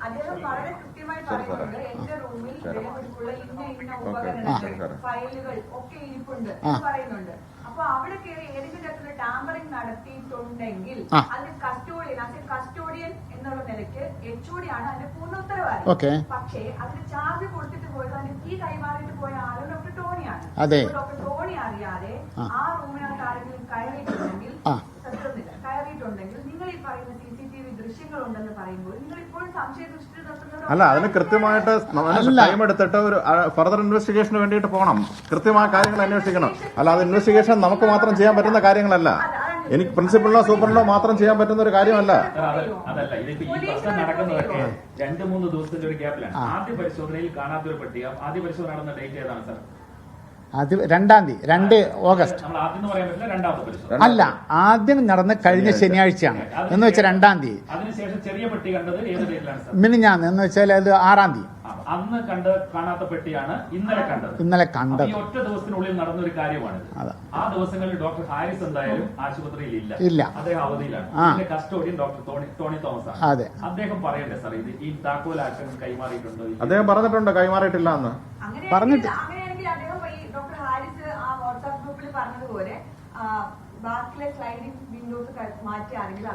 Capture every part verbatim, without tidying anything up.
അദ്ദേഹം വളരെ കൃത്യമായി പറയുന്നുണ്ട് എന്റെ റൂമിൽ വിലപിടിപ്പുള്ള ഇന്ന ഇന്ന ഉപകരണങ്ങൾ ഫയലുകൾ ഒക്കെ ഇരിപ്പുണ്ട് എന്ന് പറയുന്നുണ്ട്. അപ്പൊ അവിടെ കയറി ഏതെങ്കിലും തരത്തിലുള്ള ടാമ്പറിംഗ് നടത്തിയിട്ടുണ്ടെങ്കിൽ അതിന് കസ്റ്റോഡിയൻ അത് കസ്റ്റോഡിയൻ എന്നുള്ള നിലയ്ക്ക് എച്ച് ഒ ഡി ആണ് അതിന്റെ പൂർണ്ണ ഉത്തരവാദി. പക്ഷേ അതിന് ചാർജ് കൊടുത്തിട്ട് പോയത് അതിന് കീ കൈമാറിയിട്ട് പോയ ആള് ഡോക്ടർ ടോണിയാണ്. ഡോക്ടർ ടോണി അറിയാതെ ആ റൂമിനകത്ത് ആരെങ്കിലും കയറിയിട്ടുണ്ടെങ്കിൽ സത്യമില്ല കയറിയിട്ടുണ്ടെങ്കിൽ നിങ്ങൾ ഈ പറയുന്ന സി സി ടി വി ദൃശ്യങ്ങൾ ഉണ്ടെന്ന് പറയുമ്പോൾ നിങ്ങൾ ഇപ്പോഴും സംശയദൃഷ്ടി അല്ല, അതിന് കൃത്യമായിട്ട് ടൈം എടുത്തിട്ട് ഒരു ഫർദർ ഇൻവെസ്റ്റിഗേഷന് വേണ്ടിയിട്ട് പോകണം. കൃത്യമായ കാര്യങ്ങൾ അന്വേഷിക്കണം. അല്ല, അത് ഇൻവെസ്റ്റിഗേഷൻ നമുക്ക് മാത്രം ചെയ്യാൻ പറ്റുന്ന കാര്യങ്ങളല്ല. എനിക്ക് പ്രിൻസിപ്പലിനോ സൂപ്പറിനോ മാത്രം ചെയ്യാൻ പറ്റുന്ന ഒരു കാര്യമല്ല. അതല്ല, ഇതിപ്പോ ഈ പ്രശ്നം നടക്കുന്നതൊക്കെ രണ്ട് മൂന്ന് ദിവസത്തിന്റെ ഒരു ഗ്യാപ്പിലാണ്. ആദ്യ പരിശോധനയിൽ കാണാത്തൊരു പട്ടിക ആദ്യ പരിശോധന നടന്ന ഡേറ്റ് ഏതാണ് സാർ? അത് രണ്ടാം തീയതി രണ്ട് ഓഗസ്റ്റ് അല്ല, ആദ്യം നടന്ന കഴിഞ്ഞ ശനിയാഴ്ചയാണ് എന്ന് വെച്ചാൽ രണ്ടാം തീയതി. അതിനുശേഷം ചെറിയ പെട്ടി കണ്ടത് ഏത് ഡേറ്റിലാണ്? മിനിഞ്ഞാന്ന് എന്ന് വെച്ചാൽ അത് ആറാം തീയതി. അന്ന് കണ്ട കാണാത്ത പെട്ടിയാണ് ഇന്നലെ കണ്ടത്. ഇന്നലെ കണ്ടത് ഈ ഒറ്റ ദിവസത്തിനുള്ളിൽ നടന്ന ഒരു കാര്യമാണ്. ആ ദിവസങ്ങളിൽ ഡോക്ടർ ഹാരിസ് എന്തായാലും ആശുപത്രിയിൽ ഇല്ല, ഇല്ല അദ്ദേഹം അവധിയിലാണ്. കസ്റ്റോഡിയൻ ഡോക്ടർ ടോണി തോമസ് ആണ്. അതെ, അദ്ദേഹം പറയണ്ടേ സാർ ഇത് ഈ താക്കോലാക്ഷൻ കൈമാറിയിട്ടുണ്ടോ? അദ്ദേഹം പറഞ്ഞിട്ടുണ്ട് കൈമാറിയിട്ടില്ല എന്ന് പറഞ്ഞിട്ട്. ഡോക്ടർ ഹാരിസ് ആ വാട്സ്ആപ്പ് ഗ്രൂപ്പിൽ പറഞ്ഞതുപോലെ ബാക്കിലെ സ്ലൈഡിംഗ് വിൻഡോസ് മാറ്റി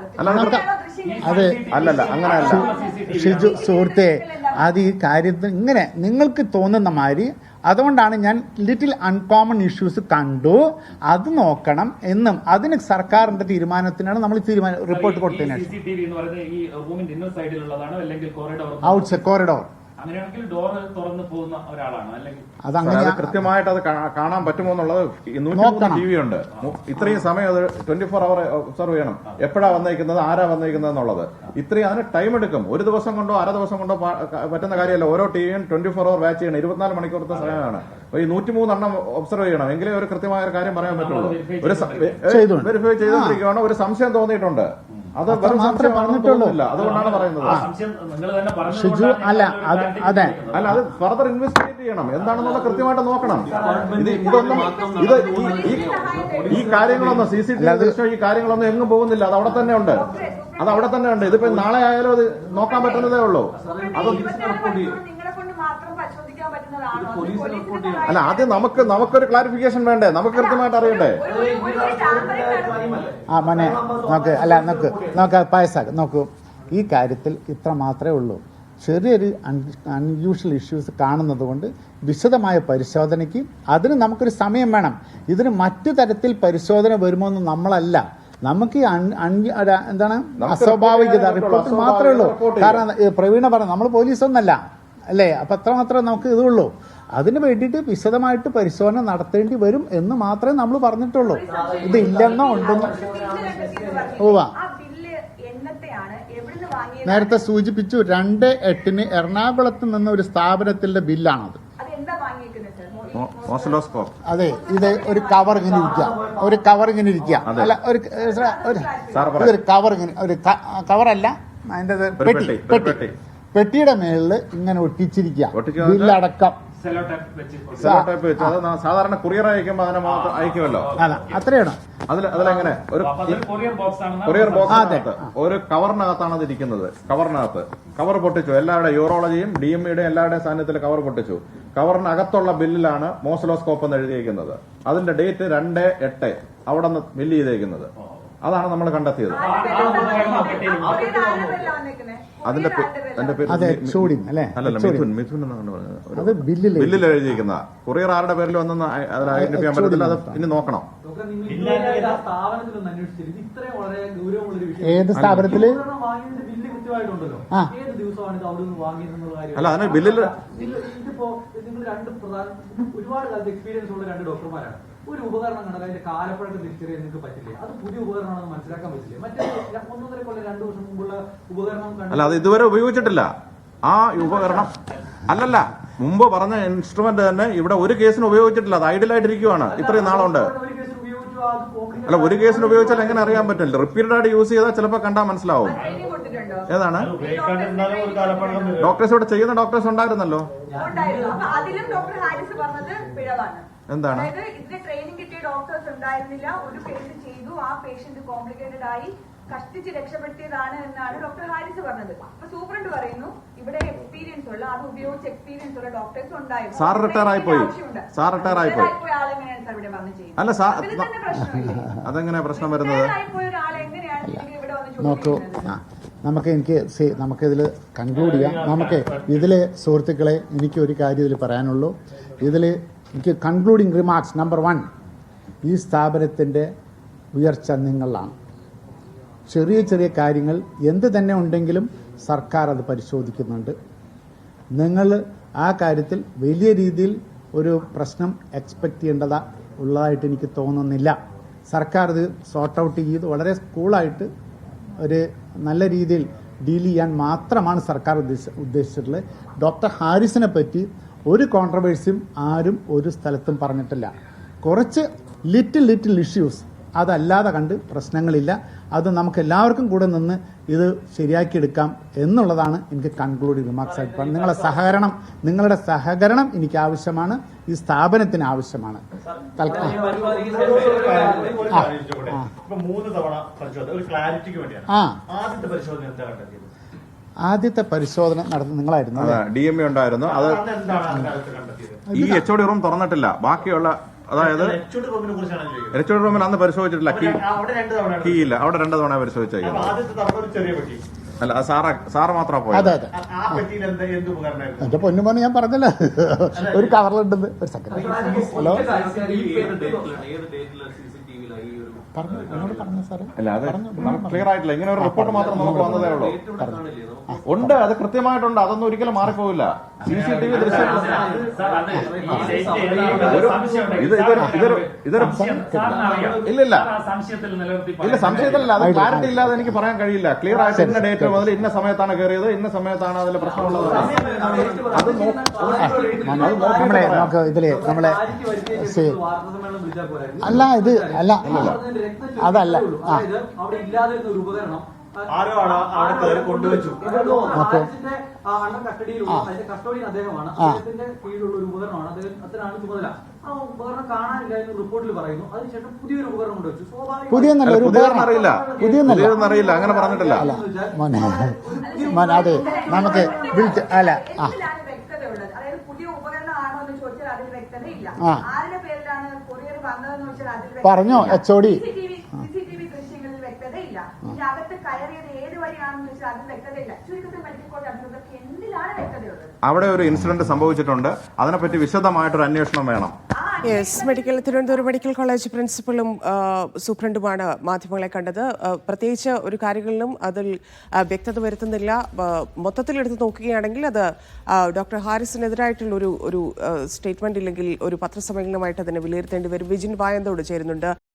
അല്ലല്ല അങ്ങനെയല്ല ഷിജു സുഹൃത്തെ, അത് ഈ കാര്യത്തിൽ ഇങ്ങനെ നിങ്ങൾക്ക് തോന്നുന്ന മാതിരി. അതുകൊണ്ടാണ് ഞാൻ ലിറ്റിൽ അൺകോമൺ ഇഷ്യൂസ് കണ്ടു, അത് നോക്കണം എന്നും അതിന് സർക്കാരിന്റെ തീരുമാനത്തിനാണ് നമ്മൾ തീരുമാനം റിപ്പോർട്ട് കൊടുത്തതിന് ഔട്ട് സൈഡ് കോറിഡോർ. അങ്ങനെയാണെങ്കിൽ ഡോർ തുറന്നു പോകുന്ന ഒരാളാണ് അല്ലെങ്കിൽ അതങ്ങനെ കൃത്യമായിട്ട് അത് കാണാൻ പറ്റുമോ എന്നുള്ളത് നൂറ്റി ടി വി ഉണ്ട്. ഇത്രയും സമയം അത് ട്വന്റി ഫോർ അവർ ഒബ്സർവ് ചെയ്യണം. എപ്പോഴാ വന്നിരിക്കുന്നത്, ആരാ വന്നിരിക്കുന്നത് എന്നുള്ളത്. ഇത്രയും അതിന് ടൈം എടുക്കും. ഒരു ദിവസം കൊണ്ടോ അര ദിവസം കൊണ്ടോ പറ്റുന്ന കാര്യമല്ല. ഓരോ ടിവിയും ട്വന്റി ഫോർ അവർ വാച്ച് ചെയ്യണം. ഇരുപത്തിനാല് മണിക്കൂറത്തെ സമയമാണ്. ഈ നൂറ്റിമൂന്നെണ്ണം ഒബ്സർവ് ചെയ്യണം. എങ്കിലേ ഒരു കൃത്യമായ ഒരു കാര്യം പറയാൻ പറ്റുള്ളൂ. ഒരു വെരിഫൈ ചെയ്തുകൊണ്ടിരിക്കുകയാണ്. ഒരു സംശയം തോന്നിയിട്ടുണ്ട്. അത് മാത്രമേ പറഞ്ഞിട്ടുള്ളൂ. അതുകൊണ്ടാണ് പറയുന്നത്. അല്ല അതെ അല്ല അത് ഫർദർ ഇൻവെസ്റ്റിഗേറ്റ് ചെയ്യണം. എന്താണെന്നുള്ള കൃത്യമായിട്ട് നോക്കണം. ഇത് ഇതൊന്നും ഇത് ഈ കാര്യങ്ങളൊന്നും സി സി ടി വി ദൃശ്യം ഈ കാര്യങ്ങളൊന്നും എങ്ങും പോകുന്നില്ല. അത് അവിടെ തന്നെ ഉണ്ട്. അത് അവിടെ തന്നെ ഉണ്ട്. ഇതിപ്പോ നാളെ ആയാലും അത് നോക്കാൻ പറ്റുന്നതേ ഉള്ളൂ. അത് അല്ല, ആദ്യം നമുക്ക് നമുക്കൊരു ക്ലാരിഫിക്കേഷൻ വേണ്ടേ? നമുക്ക് കൃത്യമായിട്ട് അറിയണ്ടേ? ആ മോനെ നോക്ക്, അല്ല നോക്ക് നോക്ക് പായസാക്ക് നോക്കൂ. ഈ കാര്യത്തിൽ ഇത്ര മാത്രമേ ഉള്ളൂ. ചെറിയൊരു അൺയൂഷ്വൽ ഇഷ്യൂസ് കാണുന്നത് കൊണ്ട് വിശദമായ പരിശോധനയ്ക്ക് അതിന് നമുക്കൊരു സമയം വേണം. ഇതിന് മറ്റു തരത്തിൽ പരിശോധന വരുമോ എന്ന് നമ്മളല്ല. നമുക്ക് എന്താണ് അസ്വാഭാവികത റിപ്പോർട്ട് മാത്രമേ ഉള്ളൂ. കാരണം പ്രവീണ പറഞ്ഞു നമ്മൾ പോലീസൊന്നല്ല അല്ലേ, അപ്പൊ അത്ര മാത്രമേ നമുക്ക് ഇതുള്ളൂ. അതിന് വേണ്ടിയിട്ട് വിശദമായിട്ട് പരിശോധന നടത്തേണ്ടി വരും എന്ന് മാത്രമേ നമ്മൾ പറഞ്ഞിട്ടുള്ളൂ. ഇത് ഇല്ലെന്നോ ഉണ്ടെന്നോ പോവാ. നേരത്തെ സൂചിപ്പിച്ചു, രണ്ട് എട്ടിന് എറണാകുളത്ത് നിന്ന് ഒരു സ്ഥാപനത്തിന്റെ ബില്ലാണത്. അതെ, ഇത് ഒരു കവർ ഇങ്ങനെ ഇരിക്കുക, ഒരു കവർ ഇങ്ങനെ ഇരിക്കുക അല്ല ഒരു ഒരു കവർ ഇങ്ങനെ ഒരു കവറല്ല അതിന്റെ പെട്ടി പെട്ടി പെട്ടിയുടെ മേളില് ഇങ്ങനെ ഒട്ടിച്ചിരിക്കുക ബില്ലടക്കം. സാധാരണ കൊറിയർ അയക്കുമ്പോ അതിനെ മാത്രം അയക്കുമല്ലോ. അല്ല അത്രയാണ്. അതിൽ അതിലെങ്ങനെ ഒരു കൊറിയർ ബോക്സിനകത്ത് ഒരു കവറിനകത്താണ് അത് ഇരിക്കുന്നത്. കവറിനകത്ത് കവർ പൊട്ടിച്ചു. എല്ലാവരുടെ യൂറോളജിയും ഡി എം ഇയുടെ എല്ലാവരുടെയും സാന്നിധ്യത്തിൽ കവർ പൊട്ടിച്ചു. കവറിനകത്തുള്ള ബില്ലിലാണ് മോസലോസ്കോപ്പ് എന്ന് എഴുതിയിരിക്കുന്നത്. അതിന്റെ ഡേറ്റ് രണ്ട് എട്ട് അവിടെ നിന്ന് ബില്ല് ചെയ്തേക്കുന്നത്. അതാണ് നമ്മൾ കണ്ടെത്തിയത്. അതിന്റെ അല്ലല്ല മിഥുൻ മിഥുൻ എന്നാണ് പറഞ്ഞത്. ബില്ലിൽ എഴുതിയിരിക്കുന്ന കൊറിയർ ആരുടെ പേരിൽ വന്നെന്ന് അതിൽ ഐഡന്റിഫൈ ചെയ്യാൻ പറ്റത്തില്ല. അത് ഇനി നോക്കണം. ഏത് സ്ഥാപനത്തില് അല്ല അതിന് ബില്ലിൽ ഇതിപ്പോ നിങ്ങൾ രണ്ട് പ്രധാന ഒരുപാട് കാലത്ത് എക്സ്പീരിയൻസ് ഉള്ള രണ്ട് ഡോക്ടർമാരാണ്. ഒരു ഉപകരണം കണ്ടാൽ അതിന്റെ കാലപ്പഴക്കം തിരിച്ചറിയാൻ നിങ്ങൾക്ക് പറ്റില്ലേ? അത് പുതിയ ഉപകരണമാണെന്ന് മനസ്സിലാക്കാൻ പറ്റില്ലേ? മറ്റേ ഒന്നൊന്നര കൊല്ലം രണ്ടു വർഷം മുമ്പുള്ള ഉപകരണം അല്ല അത് ഇതുവരെ ഉപയോഗിച്ചിട്ടില്ല. ആ ഉപകരണം അല്ലല്ല മുമ്പ് പറഞ്ഞ ഇൻസ്ട്രുമെന്റ് തന്നെ ഇവിടെ ഒരു കേസിന് ഉപയോഗിച്ചിട്ടില്ല. അത് ഐഡിയലായിട്ടിരിക്കുവാണ് ഇത്രയും നാളുണ്ട്. അല്ല ഒരു കേസിന് ഉപയോഗിച്ചാൽ എങ്ങനെ അറിയാൻ പറ്റില്ല? റിപ്പീറ്റഡ് ആയിട്ട് യൂസ് ചെയ്താൽ ചിലപ്പോൾ കണ്ടാൽ മനസ്സിലാവും. ഏതാണ് ഡോക്ടേഴ്സ് ഇവിടെ ചെയ്യുന്ന ഡോക്ടേഴ്സ് ഉണ്ടായിരുന്നല്ലോ. എന്താണ് ഇതിന്റെ ട്രെയിനിങ് കിട്ടിയ ഡോക്ടേഴ്സ് ഉണ്ടായിരുന്നില്ല. ഒരു പേഷ്യന്റ് ചെയ്തു, ആ പേഷ്യന്റ് കോംപ്ലിക്കേറ്റഡ് ആയി കഷ്ടിച്ച് രക്ഷപ്പെടുത്തിയതാണ് എന്നാണ് ഡോക്ടർ ഹാരിസ് പറഞ്ഞത്. അപ്പൊ സൂപ്രണ്ട് പറയുന്നു ഇവിടെ എക്സ്പീരിയൻസ് ഉള്ള അത് ഉപയോഗിച്ച് എക്സ്പീരിയൻസ് ഉള്ള ഡോക്ടേഴ്സ് ഉണ്ടായിരുന്നു. സാർ റിട്ടയർ ആയി പോയി സാർ റിട്ടയർ ആയി പോയി ആളെങ്ങനെയാണ് സാർ ഇവിടെ വന്ന് ചെയ്യുന്നത്? അല്ല സാർ അതിൽ തന്നെ പ്രശ്നമില്ല. അതെങ്ങനെയാ പ്രശ്നം വരുന്നത്? ആയിപ്പോയ ഒരാൾ എങ്ങനെയാണ് ഇവിടെ വന്ന് നോക്കൂ, ചോദിക്കുന്നത്? നമുക്ക് എനിക്ക് സി- നമുക്കിതിൽ കൺക്ലൂഡ് ചെയ്യാം. നമുക്ക് ഇതിൽ സുഹൃത്തുക്കളെ എനിക്ക് ഒരു കാര്യം ഇതിൽ പറയാനുള്ളൂ. ഇതിൽ എനിക്ക് കൺക്ലൂഡിങ് റിമാർക്സ് നമ്പർ വൺ, ഈ സ്ഥാപനത്തിൻ്റെ ഉയർച്ച നിങ്ങളാണ്. ചെറിയ ചെറിയ കാര്യങ്ങൾ എന്ത് തന്നെ ഉണ്ടെങ്കിലും സർക്കാർ അത് പരിശോധിക്കുന്നുണ്ട്. നിങ്ങൾ ആ കാര്യത്തിൽ വലിയ രീതിയിൽ ഒരു പ്രശ്നം എക്സ്പെക്ട് ചെയ്യേണ്ടതാ ഉള്ളതായിട്ട് എനിക്ക് തോന്നുന്നില്ല. സർക്കാർ ഇത് സോർട്ട് ഔട്ട് ചെയ്ത് വളരെ കൂളായിട്ട് ഒരു നല്ല രീതിയിൽ ഡീൽ ചെയ്യാൻ മാത്രമാണ് സർക്കാർ ഉദ്ദേശ ഉദ്ദേശിച്ചിട്ടുള്ളത്. ഡോക്ടർ ഹാരിസിനെ പറ്റി ഒരു കോൺട്രവേഴ്സിയും ആരും ഒരു സ്ഥലത്തും പറഞ്ഞിട്ടില്ല. കുറച്ച് ലിറ്റിൽ ലിറ്റിൽ ഇഷ്യൂസ് അതല്ലാതെ കണ്ട് പ്രശ്നങ്ങളില്ല. അത് നമുക്ക് എല്ലാവർക്കും കൂടെ നിന്ന് ഇത് ശരിയാക്കിയെടുക്കാം എന്നുള്ളതാണ് എനിക്ക് കൺക്ലൂഡിംഗ് റിമാർക്സ് ആയിട്ട് പറയുന്നത്. നിങ്ങളുടെ സഹകരണം നിങ്ങളുടെ സഹകരണം എനിക്ക് ആവശ്യമാണ്, ഈ സ്ഥാപനത്തിന് ആവശ്യമാണ്. തൽക്കാലം മൂന്ന് തവണ പരിശോധന ഒരു ക്ലാരിറ്റിക്ക് വേണ്ടിയാണ്. ആ ആദ്യത്തെ പരിശോധന എന്താ കണ്ടെത്തിയത്? ആദ്യത്തെ പരിശോധന നടത്തുന്ന നിങ്ങളായിരുന്നു അല്ലേ? ഡി എം എ ഉണ്ടായിരുന്നു. അത് അന്ന് എന്താണ് അക്കാലത്ത് കണ്ടെത്തിയത്? ഈ എച്ച് ഒ ഡി റൂം തുറന്നിട്ടില്ല. ബാക്കിയുള്ള അതായത് എച്ച് റൂമിനെ കുറിച്ചാണ് ചോദിക്കുന്നത്. എച്ച് ഒ ഡി റൂമിൽ അന്ന് പരിശോധിച്ചിട്ടില്ല. കീ അവിടെ രണ്ട് തവണ കീ ഇല്ല. അവിടെ രണ്ട് തവണ പരിശോധിച്ചേക്കുന്നത്. ആദ്യത്തെ തവണ ഒരു ചെറിയ പെട്ടി. അല്ല അത് സാറ് സാറ് മാത്രമാണ് അതെ പോയത്. അതെ ആ- ആ പെട്ടിയിൽ എന്താ എന്ത് ഉപകരണമായിരുന്നു? എന്റെ പൊന്നുമോനെ ഞാൻ പറഞ്ഞല്ലോ, ഒരു കവറിലുണ്ടെന്ന്. ഒരു സെക്കൻഡ്. ഹലോ പറഞ്ഞു എന്നോട് പറഞ്ഞു സാറേ. അല്ല അത് നമുക്ക് ക്ലിയർ ആയിട്ടില്ല. ഇങ്ങനെ ഒരു റിപ്പോർട്ട് മാത്രം നമുക്ക് വന്നതേ ഉള്ളൂ. ഉണ്ട്, അത് കൃത്യമായിട്ടുണ്ട്. അതൊന്നും ഒരിക്കലും മാറിപ്പോവില്ല. സി സി ടി വി ദൃശ്യം സാർ, അത് ഈ ഡേറ്റ് ഒരു സംശയം ഉണ്ടെങ്കിൽ ഇത് ഇതൊരു ഇതൊരു ഇതൊരു സംശയം സാറിന് അറിയാം. ഇല്ല സാർ ആ സംശയത്തിൽ നിലനിർത്തി ഇല്ല സംശയത്തിലല്ല. അത് ക്ലാരിറ്റി ഇല്ലാതെ എനിക്ക് പറയാൻ കഴിയില്ല. ക്ലിയർ ആയിട്ട് ഇന്ന ഡേറ്റ് മുതൽ ഇന്ന സമയത്താണ് കയറിയത്, ഇന്ന സമയത്താണ് അതിൽ പ്രശ്നമുള്ളത്. അത് നോ- നമ്മളെ നമുക്ക് ഇതില് നമ്മളെ സി- അല്ല ഇത് അല്ല അതല്ല ആ അവിടെ ഇല്ലാതിരുന്ന ഒരു ഉപകരണം ആരോ ആണ് അവിടെ കയറി കൊണ്ടുവച്ചു. ഹാരിസിന്റെ അണ്ടർ കസ്റ്റഡിയിലുള്ള അതിന്റെ കസ്റ്റഡിയൻ അദ്ദേഹമാണ്. അദ്ദേഹത്തിന്റെ കീഴിലുള്ള ഒരു ഉപകരണമാണ്. അദ്ദേഹത്തിനാണ് ചുമതല. ആ ഉപകരണം കാണാനില്ല എന്ന് റിപ്പോർട്ടിൽ പറയുന്നു. അതിനുശേഷം പുതിയൊരു ഉപകരണം കൊണ്ടുവച്ചു. സ്വാഭാവിക പുതിയൊന്നല്ല ഒരു പുതിയതൊന്നും അറിയില്ല. പുതിയൊന്നല്ല പുതിയതൊന്നും അറിയില്ല. അങ്ങനെ പറഞ്ഞിട്ടില്ല. അല്ല മോനെ മോനെ അതെ നമുക്ക് വിളിച്ച് അല്ല ആ എന്തിലാണ് വ്യക്തതയുള്ളത്? അതായത് പുതിയ ഉപകരണം ആണോ എന്ന് ചോദിച്ചാൽ അതിൽ വ്യക്തതയില്ല. ആ. ആരുടെ പേരിലാണ് കൊറിയർ വന്നതെന്ന് വെച്ചാൽ അതിൽ പറഞ്ഞോ എച്ച് ഒ ഡി സിസിടിവി ദൃശ്യങ്ങളിൽ വ്യക്തതയില്ല. ഇതിന്റെ അകത്ത് കയറിയത് ഏത് വഴിയാണെന്ന് വെച്ചാൽ അതിൽ വ്യക്തതയില്ല. ചുരുക്കത്തിൽ മെഡിക്കൽ കോളേജ് അധികൃതർക്ക് എന്തിലാണ് വ്യക്തതയുള്ളത്? അവിടെ ഒരു ഇൻസിഡന്റ് സംഭവിച്ചിട്ടുണ്ട്. അതിനെപ്പറ്റി വിശദമായിട്ടൊരു അന്വേഷണം വേണം. Yes, medical Thiruvananthapuram medical college പ്രിൻസിപ്പലും ആ, സൂപ്രണ്ടുമാണ് മാധ്യമങ്ങളെ കണ്ടത്. ആ, പ്രത്യേകിച്ച് ഒരു കാര്യങ്ങളിലും അതിൽ ആ, വ്യക്തത വരുത്തുന്നില്ല. ആ, മൊത്തത്തിൽ എടുത്ത് നോക്കുകയാണെങ്കിൽ അത് ആ, ഡോക്ടർ ഹാരിസിനെതിരായിട്ടുള്ള ഒരു ഒരു സ്റ്റേറ്റ്മെന്റ് ഇല്ലെങ്കിൽ ഒരു പത്രസമ്മേളനമായിട്ട് അതിനെ വിലയിരുത്തേണ്ടി വരും. വിജിൻ വായന്തോട് ചേരുന്നുണ്ട്.